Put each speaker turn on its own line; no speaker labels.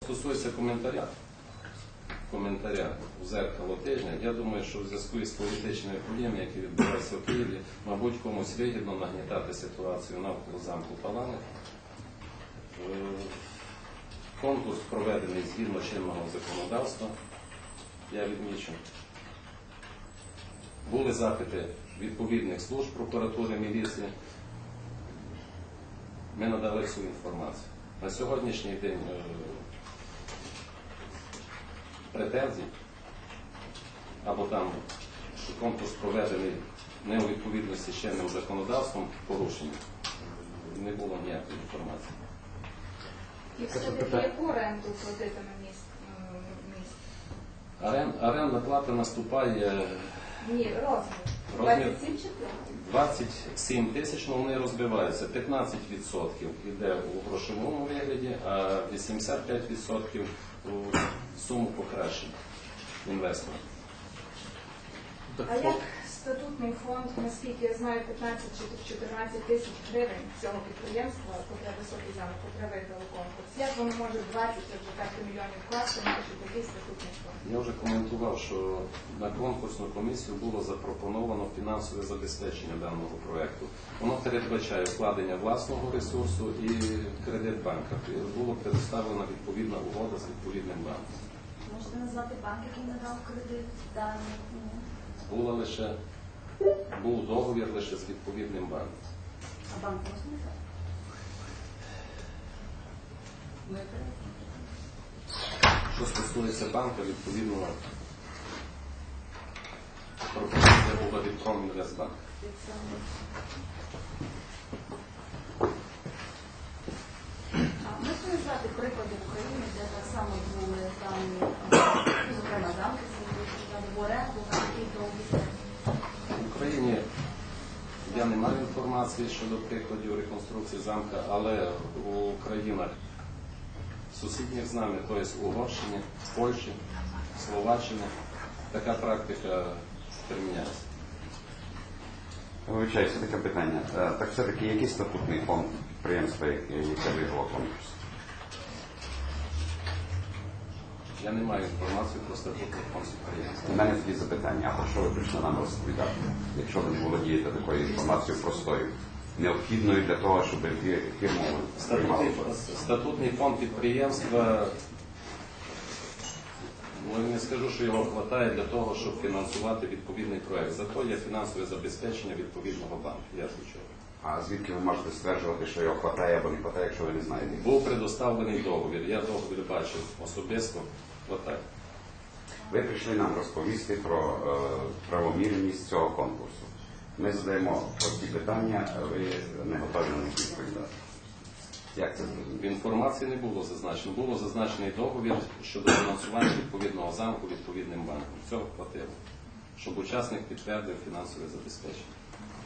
Стосується коментаря у «Зеркало тижня», я думаю, що в зв'язку із політичними подіями, які відбуваються в Києві, мабуть, комусь вигідно нагнітати ситуацію навколо замку Паланик. Конкурс проведений згідно чинного законодавства, я відмічу. Були запити відповідних служб прокуратури, міліції. Ми надали всю інформацію. На сьогоднішній день претензій, або там, що конкурс проведений не у відповідності з чинним законодавством, порушення, не було ніякої інформації.
І все-таки яку оренду платитиме міст?
Орендна плата наступає...
Ні, розмір. 27 чи
27 тисяч, але вони розбиваються. 15% йде у грошовому вигляді, а 85% у суму покращення інвестора.
А як статутний фонд, наскільки я знаю, 15 чи 14 тисяч гривень цього підприємства, котре високий замок, котре виграло конкурс? Як воно може 20 чи вже 5 мільйонів вкласти, маючи такий статутний фонд?
Я вже коментував, що на конкурсну комісію було запропоновано фінансове забезпечення даного проєкту. Воно передбачає вкладення власного ресурсу і кредит банка. Було предоставлена відповідна угода з відповідним банком.
Можете назвати банк, який надав кредит дані?
Був договір лише з відповідним банком.
А банк можна назвати?
Що стосується банка, відповідно, пропозиція була від Промінвестбанк.
Можете назвати приклади в Україні, де так само були дані, зокрема, замки, в оренду, на який довгий?
В Україні я не маю інформації щодо прикладів реконструкції замка, але у країнах сусідніх з нами, тобто в Угорщині, в Польщі, Словаччині, така практика приміняється.
Вибачаюся, таке питання. Так все-таки який статутний фонд підприємства, яке виграло конкурс?
Я не маю інформації про статутний фонд підприємства.
У мене тоді запитання, а про що ви прийшли нам розповідати, якщо ви не володієте такою інформацією простою, необхідною для того, щоб фірму приймали?
Статутний фонд підприємства, не скажу, що його вистачає для того, щоб фінансувати відповідний проєкт. Зато є фінансове забезпечення відповідного банку. Я звичайно.
А звідки ви можете стверджувати, що його вистачає або не вистачає, якщо ви не знаєте?
Був предоставлений договір. Я договір бачив особисто. Отак.
Ви прийшли нам розповісти про правомірність цього конкурсу. Ми задаємо прості питання, а ви не готові на них відповідати. Як це зрозуміти?
В інформації не було зазначено. Було зазначений договір щодо фінансування відповідного замку відповідним банком. Цього хватило, щоб учасник підтвердив фінансове забезпечення.